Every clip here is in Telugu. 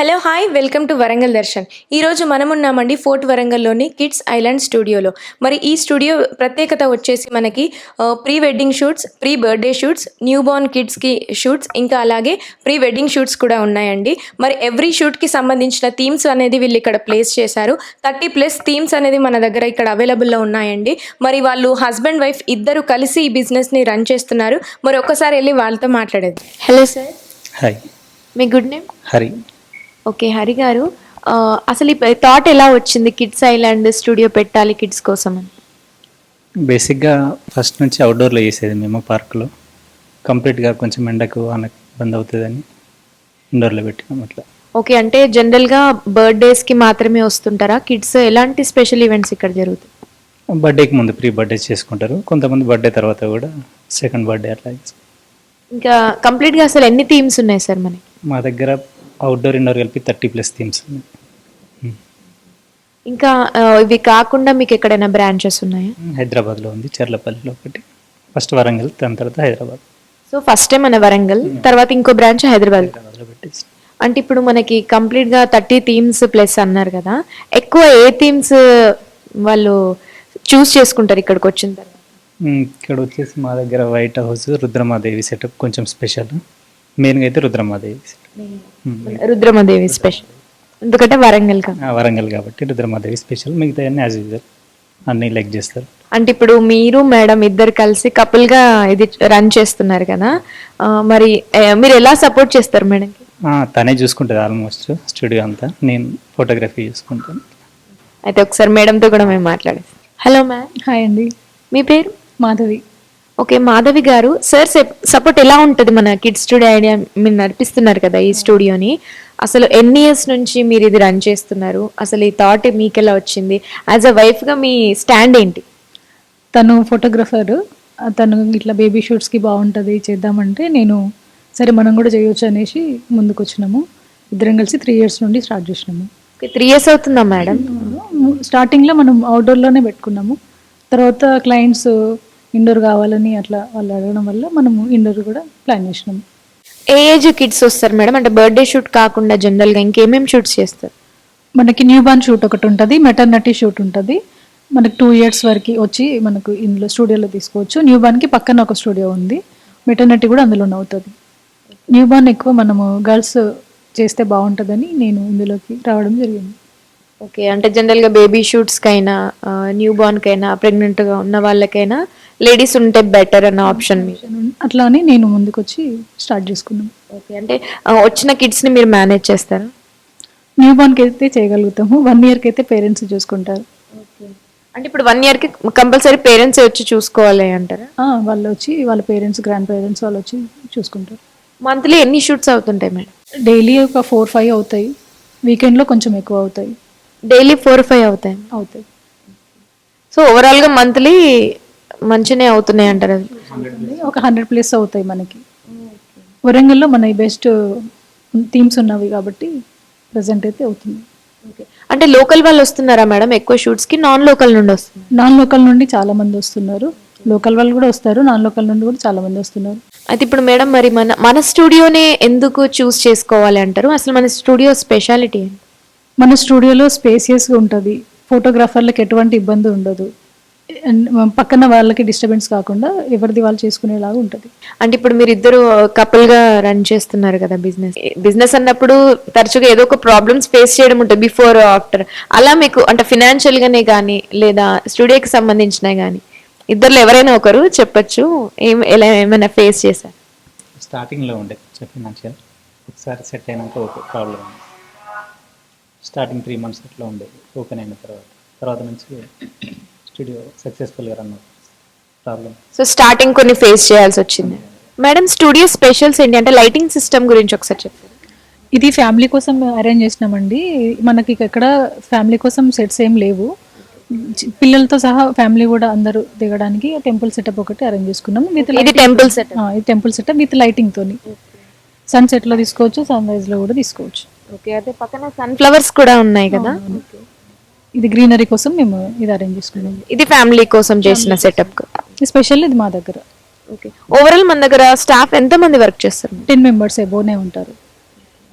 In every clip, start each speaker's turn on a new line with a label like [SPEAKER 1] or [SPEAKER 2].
[SPEAKER 1] Hello hi welcome to Warangal Darshan. ఈరోజు మనమున్నామండి ఫోర్ట్ వరంగల్లోని కిడ్స్ ఐలాండ్ స్టూడియోలో. మరి ఈ స్టూడియో ప్రత్యేకత వచ్చేసి మనకి pre wedding shoots, pre birthday shoots, new born కిడ్స్కి షూట్స్, ఇంకా అలాగే ప్రీ వెడ్డింగ్ షూట్స్ కూడా ఉన్నాయండి. మరి ఎవ్రీ షూట్కి సంబంధించిన థీమ్స్ అనేది వీళ్ళు ఇక్కడ ప్లేస్ చేశారు. 30+ థీమ్స్ అనేది మన దగ్గర ఇక్కడ అవైలబుల్లో ఉన్నాయండి. మరి వాళ్ళు హస్బెండ్ వైఫ్ ఇద్దరు కలిసి ఈ బిజినెస్ని రన్ చేస్తున్నారు. మరి ఒక్కసారి వెళ్ళి వాళ్ళతో మాట్లాడేది. Hello sir.
[SPEAKER 2] హాయ్,
[SPEAKER 1] మీ good name?
[SPEAKER 2] Hari.
[SPEAKER 1] Okay Hari గారు, అసలు ఈ థాట్ ఎలా వచ్చింది కిడ్స్ ఐలాండ్ స్టూడియో పెట్టాలి కిడ్స్ కోసం అని?
[SPEAKER 2] బేసిక్గా ఫస్ట్ నుంచి అవుట్డోర్లో చేసేది మేము పార్క్లో. కంప్లీట్గా కొంచెం ఎండకు అనకు ఇబ్బంది అవుతుందని ఇండోర్లో పెట్టినాం అట్లా.
[SPEAKER 1] ఓకే, అంటే జనరల్గా బర్త్డేస్కి మాత్రమే వస్తుంటారా కిడ్స్? ఎలాంటి స్పెషల్ ఈవెంట్స్ ఇక్కడ జరుగుతాయి?
[SPEAKER 2] బర్త్డేకి ముందు ప్రీ బర్త్డే చేసుకుంటారు, కొంతమంది బర్త్డే తర్వాత కూడా సెకండ్ బర్త్డే అట్లా చేసుకుంటారు.
[SPEAKER 1] ఇంకా కంప్లీట్గా అసలు ఎన్ని థీమ్స్ ఉన్నాయి సార్ మనకి?
[SPEAKER 2] మా దగ్గర అవుట్డోర్ ఇండోర్ కలిపి 30+ థీమ్స్ ఉన్నాయి.
[SPEAKER 1] ఇంకా ఇవి కాకుండా మీకు ఎక్కడైనా బ్రాంచెస్ ఉన్నాయా?
[SPEAKER 2] హైదరాబాద్లో ఉంది, చెర్లపల్లిలో ఒకటి, ఫస్ట్ వరంగల్, దాని తర్వాత హైదరాబాద్.
[SPEAKER 1] సో ఫస్ట్ టైం మన వరంగల్, తర్వాత ఇంకో బ్రాంచ్ హైదరాబాద్లో
[SPEAKER 2] పెట్టేసి.
[SPEAKER 1] అంటే ఇప్పుడు మనకి కంప్లీట్గా 30 థీమ్స్ ప్లస్ అన్నారు కదా, ఎక్కువ ఏ థీమ్స్ వాళ్ళు చూస్ చేసుకుంటారు ఇక్కడికి వచ్చిన తర్వాత?
[SPEAKER 2] ఇక్కడ వచ్చేసి మా దగ్గర వైట్ హౌస్, రుద్రమాదేవి సెటప్ కొంచెం స్పెషల్. మెయిన్గా అయితే రుద్రమాదేవి సెటప్.
[SPEAKER 1] రుద్రమాదేవి స్పెషల్ ఎందుకంటే వరంగల్
[SPEAKER 2] కాబట్టి రుద్రమాదేవి స్పెషల్. మిగతా అన్ని యాజ్ యూజువల్ అన్ని లైక్ చేస్తారు.
[SPEAKER 1] అంటే ఇప్పుడు మీరు మేడం ఇద్దరు కలిసి కపుల్ గా ఇది రన్ చేస్తున్నారు కదా, మరి మీరు ఎలా సపోర్ట్ చేస్తారు మేడం?
[SPEAKER 2] తనే చూసుకుంటుంది ఆల్మోస్ట్ స్టూడియో అంతా, నేను ఫోటోగ్రఫీ చూసుకుంటాను.
[SPEAKER 1] అయితే ఒకసారి మేడంతో కూడా మేము మాట్లాడేస్తాం. Hello ma'am.
[SPEAKER 3] హాయ్ అండి,
[SPEAKER 1] మీ పేరు?
[SPEAKER 3] మాధవి.
[SPEAKER 1] ఓకే మాధవి గారు, సార్ సపోర్ట్ ఎలా ఉంటుంది? మన కిడ్స్ స్టూడియో ఐడియా మీరు నడిపిస్తున్నారు కదా ఈ స్టూడియోని, అసలు ఎన్ని ఇయర్స్ నుంచి మీరు ఇది రన్ చేస్తున్నారు? అసలు ఈ థాట్ మీకు ఎలా వచ్చింది? యాజ్ అ వైఫ్గా మీ స్టాండ్ ఏంటి?
[SPEAKER 3] తను ఫోటోగ్రఫర్, తను ఇట్లా బేబీ షూట్స్కి బాగుంటుంది చేద్దామంటే నేను సరే మనం కూడా చేయొచ్చు అనేసి ముందుకు వచ్చినాము. ఇద్దరం కలిసి 3 years నుండి స్టార్ట్ చేసినాము.
[SPEAKER 1] 3 years అవుతుందా మేడం?
[SPEAKER 3] స్టార్టింగ్లో మనం అవుట్డోర్లోనే పెట్టుకున్నాము, తర్వాత క్లయింట్స్ ఇండోర్ కావాలని అట్లా వాళ్ళు అడగడం వల్ల మనము ఇండోర్ కూడా ప్లాన్ చేసినాము.
[SPEAKER 1] ఏ ఏజ్ కిడ్స్ వస్తారు మేడం? అంటే బర్త్డే షూట్ కాకుండా జనరల్గా ఇంకేమేమి షూట్స్ చేస్తారు?
[SPEAKER 3] మనకి న్యూ బార్న్ షూట్ ఒకటి ఉంటుంది, మెటర్నిటీ షూట్ ఉంటుంది. మనకి 2 years వరకు వచ్చి మనకు ఇందులో స్టూడియోలో తీసుకోవచ్చు. న్యూ బార్న్కి పక్కన ఒక స్టూడియో ఉంది, మెటర్నిటీ కూడా అందులోనే అవుతుంది. న్యూ బార్న్ ఎక్కువ మనము గర్ల్స్ చేస్తే బాగుంటుందని నేను ఇందులోకి రావడం జరిగింది.
[SPEAKER 1] ఓకే, అంటే జనరల్గా బేబీ షూట్స్కైనా, న్యూ బార్న్కైనా, ప్రెగ్నెంట్గా ఉన్న వాళ్ళకైనా లేడీస్ ఉంటే బెటర్ అన్న ఆప్షన్
[SPEAKER 3] అట్లా అని నేను ముందుకు వచ్చి స్టార్ట్ చేసుకున్నాను.
[SPEAKER 1] ఓకే, అంటే వచ్చిన కిడ్స్ని మీరు మేనేజ్ చేస్తారా?
[SPEAKER 3] న్యూ బార్న్కి అయితే చేయగలుగుతాము, 1 yearకి అయితే పేరెంట్స్ చూసుకుంటారు.
[SPEAKER 1] అంటే ఇప్పుడు 1 yearకి కంపల్సరీ పేరెంట్స్ వచ్చి చూసుకోవాలి అంటారా?
[SPEAKER 3] వాళ్ళు వచ్చి వాళ్ళ పేరెంట్స్, గ్రాండ్ పేరెంట్స్ వాళ్ళు వచ్చి చూసుకుంటారు.
[SPEAKER 1] మంత్లీ ఎన్ని షూట్స్ అవుతుంటాయి మేడం?
[SPEAKER 3] డైలీ ఒక 4-5 అవుతాయి, వీకెండ్లో కొంచెం ఎక్కువ అవుతాయి.
[SPEAKER 1] డైలీ 4-5 అవుతాయి. సో ఓవరాల్గా మంత్లీ మంచినే అవుతున్నాయి అంటారు.
[SPEAKER 3] ఒక 100+ అవుతాయి మనకి. వరంగల్లో మన బెస్ట్ థీమ్స్ ఉన్నవి కాబట్టి ప్రజెంట్ అయితే అవుతుంది.
[SPEAKER 1] అంటే లోకల్ వాళ్ళు వస్తున్నారా మేడం ఎక్కువ షూట్స్కి? నాన్ లోకల్ నుండి వస్తున్నారు?
[SPEAKER 3] నాన్ లోకల్ నుండి చాలా మంది వస్తున్నారు, లోకల్ వాళ్ళు కూడా వస్తారు, నాన్ లోకల్ నుండి కూడా చాలా మంది వస్తున్నారు.
[SPEAKER 1] అయితే ఇప్పుడు మేడం మరి మన స్టూడియోనే ఎందుకు చూస్ చేసుకోవాలి అంటారు? అసలు మన స్టూడియో స్పెషాలిటీ?
[SPEAKER 3] మన స్టూడియోలో స్పేసియస్గా ఉంటుంది, ఫోటోగ్రాఫర్లకు ఎటువంటి ఇబ్బంది ఉండదు, పక్కన వాళ్ళకి డిస్టర్బెన్స్ కాకుండా ఎవరిది వాళ్ళు చేసుకునేలాగా ఉంటుంది.
[SPEAKER 1] అంటే ఇప్పుడు మీరు ఇద్దరు కపుల్గా రన్ చేస్తున్నారు కదా బిజినెస్ అన్నప్పుడు తరచుగా ఏదో ఒక ప్రాబ్లమ్స్ ఫేస్ చేయడం ఉంటుంది బిఫోర్ ఆఫ్టర్. అలా మీకు అంటే ఫినాన్షియల్గానే కానీ లేదా స్టూడియోకి సంబంధించినా కానీ ఇద్దరులో ఎవరైనా ఒకరు చెప్పచ్చు ఎలా ఏమైనా ఫేస్ చేశారు?
[SPEAKER 2] స్టార్టింగ్లో ఉండే ఫినాన్షియల్, ఒకసారి సెట్ అయినాక ఓకే ప్రాబ్లం. స్టార్టింగ్ 3 months అట్లా ఉండేది, ఓపెన్ అయిన తర్వాత నుంచి స్టూడియో సక్సెస్ఫుల్గా రన్ అవుతుంది. ప్రాబ్లం
[SPEAKER 1] సో స్టార్టింగ్ కొన్ని ఫేస్ చేయాల్సి వచ్చింది. మేడం స్టూడియో స్పెషల్స్ ఏంటి? అంటే లైటింగ్ సిస్టమ్ గురించి ఒకసారి చెప్తారు?
[SPEAKER 3] ఇది ఫ్యామిలీ కోసం అరేంజ్ చేసినామండి. మనకి ఎక్కడ ఫ్యామిలీ కోసం సెట్స్ ఏం లేవు, పిల్లలతో సహా ఫ్యామిలీ కూడా అందరూ దిగడానికి టెంపుల్ సెటప్ ఒకటి అరేంజ్ చేసుకున్నాము.
[SPEAKER 1] ఇది టెంపుల్ సెటప్?
[SPEAKER 3] ఇది టెంపుల్ సెటప్ విత్ లైటింగ్ తోని. సన్సెట్లో తీసుకోవచ్చు, సన్ రైజ్లో కూడా తీసుకోవచ్చు.
[SPEAKER 1] ఓకే, అదే పక్కన సన్ఫ్లవర్స్ కూడా ఉన్నాయి కదా,
[SPEAKER 3] ఇది గ్రీనరీ కోసం మేము ఇది అరేంజ్ చేసుకున్నాం.
[SPEAKER 1] ఇది ఫ్యామిలీ కోసం చేసిన సెటప్
[SPEAKER 3] స్పెషల్ ఇది మా దగ్గర.
[SPEAKER 1] ఓకే, ఓవరాల్ మన దగ్గర స్టాఫ్ ఎంత మంది వర్క్ చేస్తారు?
[SPEAKER 3] 10 members ఎబోనే ఉంటారు.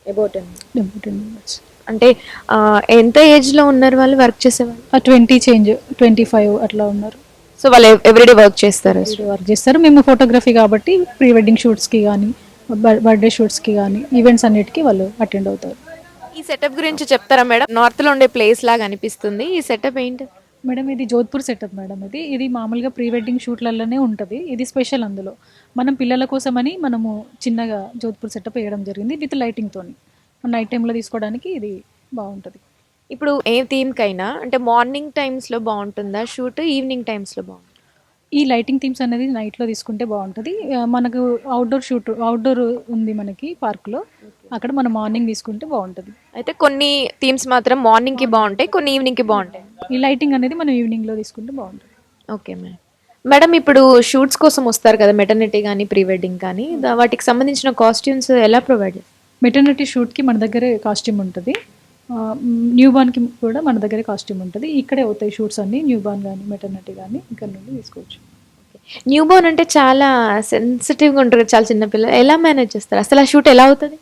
[SPEAKER 1] About
[SPEAKER 3] 10 members.
[SPEAKER 1] అంటే ఎంత ఏజ్లో ఉన్నారు వాళ్ళు వర్క్ చేసేవాళ్ళు?
[SPEAKER 3] 20 చేంజ్ 25 అట్లా ఉన్నారు.
[SPEAKER 1] సో వాళ్ళు ఎవ్రీడే వర్క్ చేస్తారు.
[SPEAKER 3] వర్క్ చేస్తారు. మేము ఫోటోగ్రఫీ కాబట్టి ప్రీ వెడ్డింగ్ షూట్స్కి కానీ బర్త్డే షూట్స్కి కానీ ఈవెంట్స్ అన్నిటికీ వాళ్ళు అటెండ్ అవుతారు.
[SPEAKER 1] ఈ సెటప్ గురించి చెప్తారా మేడం? నార్త్లో ఉండే ప్లేస్ లాగా అనిపిస్తుంది. ఈ సెటప్ ఏంటి?
[SPEAKER 3] మేడం ఇది జోధ్పూర్ సెటప్ మేడం. ఇది మామూలుగా ప్రీ వెడ్డింగ్ షూట్లలోనే ఉంటుంది. ఇది స్పెషల్ అందులో. మనం పిల్లల కోసమని మనము చిన్నగా జోధ్పూర్ సెటప్ వేయడం జరిగింది విత్ లైటింగ్తో. నైట్ టైంలో తీసుకోవడానికి ఇది బాగుంటుంది.
[SPEAKER 1] ఇప్పుడు ఏ థీమ్కైనా అంటే మార్నింగ్ టైమ్స్లో బాగుంటుందా షూట్, ఈవినింగ్ టైమ్స్లో బాగుంటుంది?
[SPEAKER 3] ఈ లైటింగ్ థీమ్స్ అనేది నైట్లో తీసుకుంటే బాగుంటుంది. మనకు అవుట్డోర్ ఉంది మనకి పార్క్లో, అక్కడ మనం మార్నింగ్ తీసుకుంటే బాగుంటుంది.
[SPEAKER 1] అయితే కొన్ని థీమ్స్ మాత్రం మార్నింగ్కి బాగుంటాయి, కొన్ని ఈవినింగ్కి బాగుంటాయి.
[SPEAKER 3] ఈ లైటింగ్ అనేది మనం ఈవినింగ్లో తీసుకుంటే బాగుంటుంది.
[SPEAKER 1] ఓకే మేడం ఇప్పుడు షూట్స్ కోసం వస్తారు కదా, మెటర్నిటీ కానీ ప్రీ వెడ్డింగ్ కానీ, వాటికి సంబంధించిన కాస్ట్యూమ్స్ ఎలా ప్రొవైడ్ చేస్తారు?
[SPEAKER 3] మెటర్నిటీ షూట్కి మన దగ్గరే కాస్ట్యూమ్ ఉంటుంది. న్యూ బార్న్కి కూడా మన దగ్గరే కాస్ట్యూమ్ ఉంటుంది. ఇక్కడే అవుతాయి షూట్స్ అన్నీ, న్యూ బార్న్ కానీ మెటర్నిటీ కానీ ఇక్కడ నుండి తీసుకోవచ్చు.
[SPEAKER 1] న్యూ బోర్న్ అంటే చాలా సెన్సిటివ్గా ఉంటుంది, చాలా చిన్నపిల్లలు ఎలా మేనేజ్ చేస్తారు అసలు? ఆ షూట్ ఎలా అవుతుంది?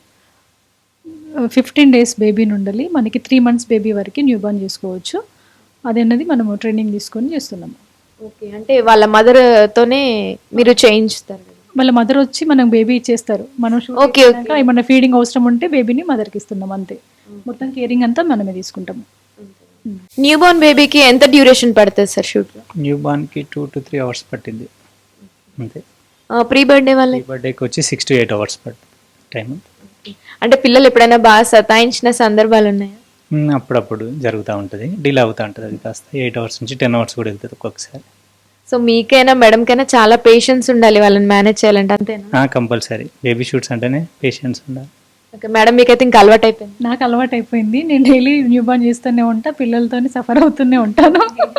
[SPEAKER 3] 15 days బేబీ నుండి మనకి 3 months బేబీ వరకు న్యూ బార్న్ చేసుకోవచ్చు. అదన్నది మనము ట్రైనింగ్ తీసుకొని చేస్తున్నాము.
[SPEAKER 1] ఓకే, అంటే వాళ్ళ మదర్తోనే మీరు చేయించుతారు?
[SPEAKER 3] వాళ్ళ మదర్ వచ్చి మనకు బేబీ ఇచ్చేస్తారు. మనం
[SPEAKER 1] ఓకే,
[SPEAKER 3] ఏమన్నా ఫీడింగ్ అవసరం ఉంటే బేబీని మదర్కి ఇస్తున్నాం అంతే. మొత్తం కేరింగ్ అంతా మనమే తీసుకుంటాము.
[SPEAKER 1] న్యూ బోర్న్ బేబీకి ఎంత డ్యూరేషన్ పడుతుంది సార్ షూట్లో?
[SPEAKER 2] న్యూ బార్న్కి 2 to 3 hours పట్టింది అంతే.
[SPEAKER 1] ప్రీ బర్త్డే వాళ్ళ
[SPEAKER 2] బర్త్డేకి వచ్చి 6 to 8 hours పట్టింది టైం.
[SPEAKER 1] అంటే పిల్లలు ఎప్పుడైనా బాగా సతాయించిన సందర్భాలు ఉన్నాయా?
[SPEAKER 2] అప్పుడప్పుడు జరుగుతూ ఉంటుంది, డిలే అవుతూ ఉంటుంది. అది కాస్త 8 hours నుంచి 10 hours కూడా వెళ్తుంది ఒక్కొక్కసారి.
[SPEAKER 1] సో మీకైనా మేడంకైనా చాలా పేషెన్స్ ఉండాలి వాళ్ళని మేనేజ్ చేయాలంటే, అంతేనా?
[SPEAKER 2] కంపల్సరీ. బేబీ షూట్స్ అంటేనే పేషెన్స్ ఉండాలి.
[SPEAKER 1] ఓకే మేడం, మీకైతే ఇంకా అలవాటు అయిపోయింది?
[SPEAKER 3] నాకు అలవాటు అయిపోయింది. నేను డైలీ న్యూ బార్న్ చేస్తూనే ఉంటా, పిల్లలతో సఫర్ అవుతూనే ఉంటాను.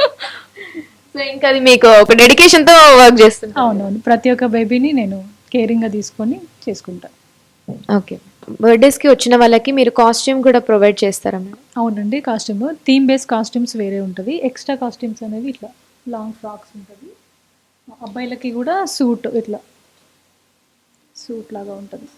[SPEAKER 1] సో ఇంకా అది మీకు ఒక డెడికేషన్తో వర్క్ చేస్తున్నాను.
[SPEAKER 3] అవునవును, ప్రతి ఒక్క బేబీని నేను కేరింగ్గా తీసుకొని చేసుకుంటాను.
[SPEAKER 1] ఓకే, బర్త్డేస్కి వచ్చిన వాళ్ళకి మీరు కాస్ట్యూమ్ కూడా ప్రొవైడ్ చేస్తారా మేడం?
[SPEAKER 3] అవునండి, కాస్ట్యూమ్ థీమ్ బేస్ కాస్ట్యూమ్స్ వేరే ఉంటుంది. ఎక్స్ట్రా కాస్ట్యూమ్స్ అనేవి ఇట్లా లాంగ్ ఫ్రాక్స్ ఉంటుంది. అబ్బాయిలకి కూడా సూట్, ఇట్లా సూట్ లాగా ఉంటుంది.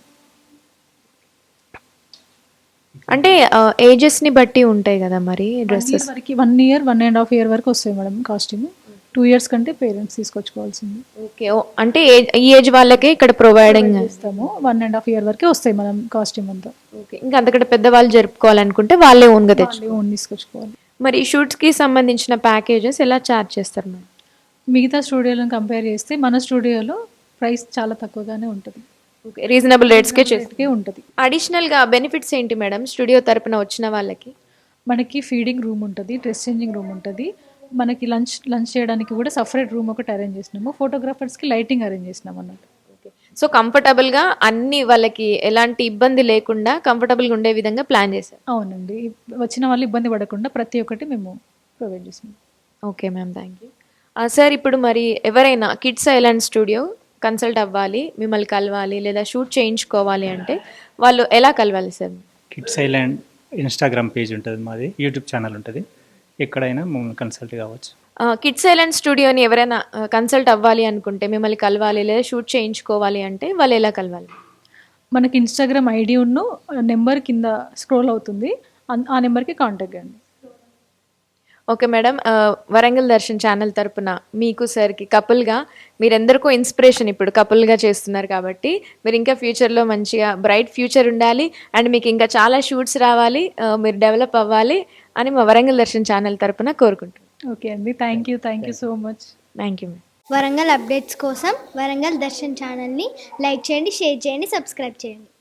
[SPEAKER 1] అంటే ఏజెస్ని బట్టి ఉంటాయి కదా మరి డ్రెస్సెస్?
[SPEAKER 3] 1 year 1.5 year వరకు వస్తాయి మేడం కాస్ట్యూమ్. 2 years కంటే పేరెంట్స్ తీసుకొచ్చుకోవాల్సింది.
[SPEAKER 1] ఓకే, అంటే ఈ ఏజ్ వాళ్ళకే ఇక్కడ ప్రొవైడింగ్
[SPEAKER 3] చేస్తాము. 1.5 year వరకే వస్తాయి మనం కాస్ట్యూమ్ అంతా.
[SPEAKER 1] ఓకే, ఇంకా అంతకంటే పెద్దవాళ్ళు జరుపుకోవాలనుకుంటే వాళ్ళే ఓన్గా తెచ్చు
[SPEAKER 3] ఓన్ తీసుకొచ్చుకోవాలి.
[SPEAKER 1] మరి షూట్స్కి సంబంధించిన ప్యాకేజెస్ ఎలా ఛార్జ్ చేస్తారు మేడం?
[SPEAKER 3] మిగతా స్టూడియోలను కంపేర్ చేస్తే మన స్టూడియోలో ప్రైస్ చాలా తక్కువగానే ఉంటుంది.
[SPEAKER 1] ఓకే, రీజనబుల్ రేట్స్కే
[SPEAKER 3] ఉంటుంది.
[SPEAKER 1] అడిషనల్గా బెనిఫిట్స్ ఏంటి మేడం స్టూడియో తరపున వచ్చిన వాళ్ళకి?
[SPEAKER 3] మనకి ఫీడింగ్ రూమ్ ఉంటుంది, డ్రెస్ చేంజింగ్ రూమ్ ఉంటుంది. మనకి లంచ్ చేయడానికి కూడా సపరేట్ రూమ్ ఒకటి అరేంజ్ చేసినాము. ఫోటోగ్రాఫర్స్కి లైటింగ్ అరేంజ్ చేసినాము అన్నట్టు.
[SPEAKER 1] ఓకే, సో కంఫర్టబుల్గా అన్ని వాళ్ళకి ఎలాంటి ఇబ్బంది లేకుండా కంఫర్టబుల్గా ఉండే విధంగా ప్లాన్ చేశారు?
[SPEAKER 3] అవునండి, వచ్చిన వాళ్ళు ఇబ్బంది పడకుండా ప్రతి ఒక్కటి మేము ప్రొవైడ్ చేసినాం.
[SPEAKER 1] Okay ma'am, thank you. Sir ఇప్పుడు మరి ఎవరైనా కిడ్స్ ఐలాండ్ స్టూడియో కన్సల్ట్ అవ్వాలి, మిమ్మల్ని కలవాలి లేదా షూట్ చేయించుకోవాలి అంటే వాళ్ళు ఎలా కలవాలి sir?
[SPEAKER 2] Kids island Instagram page ఉంటుంది మాది, యూట్యూబ్ ఛానల్ ఉంటుంది. ఎక్కడైనా మమ్మల్ని కన్సల్ట్ కావచ్చు.
[SPEAKER 1] కిడ్స్ ఐలాండ్ స్టూడియోని ఎవరైనా కన్సల్ట్ అవ్వాలి అనుకుంటే, మిమ్మల్ని కలవాలి లేదా షూట్ చేయించుకోవాలి అంటే వాళ్ళు ఎలా కలవాలి?
[SPEAKER 3] మనకి ఇన్స్టాగ్రామ్ ఐడి ఉన్న నెంబర్ కింద స్క్రోల్ అవుతుంది, ఆ నెంబర్కి కాంటాక్ట్ చేయండి.
[SPEAKER 1] Okay madam, Warangal Darshan channel తరపున మీకు సార్కి కపుల్గా మీరెందరికో ఇన్స్పిరేషన్, ఇప్పుడు కపుల్గా చేస్తున్నారు కాబట్టి మీరు ఇంకా ఫ్యూచర్లో మంచిగా బ్రైట్ ఫ్యూచర్ ఉండాలి అండ్ మీకు ఇంకా చాలా షూట్స్ రావాలి, మీరు డెవలప్ అవ్వాలి అని మా వరంగల్ దర్శన్ ఛానల్ తరపున కోరుకుంటున్నాను.
[SPEAKER 3] ఓకే అండి, thank you so much.
[SPEAKER 1] Thank you ma'am.
[SPEAKER 4] Warangal updates కోసం వరంగల్ దర్శన్ ఛానల్ని లైక్ చేయండి, షేర్ చేయండి, సబ్స్క్రైబ్ చేయండి.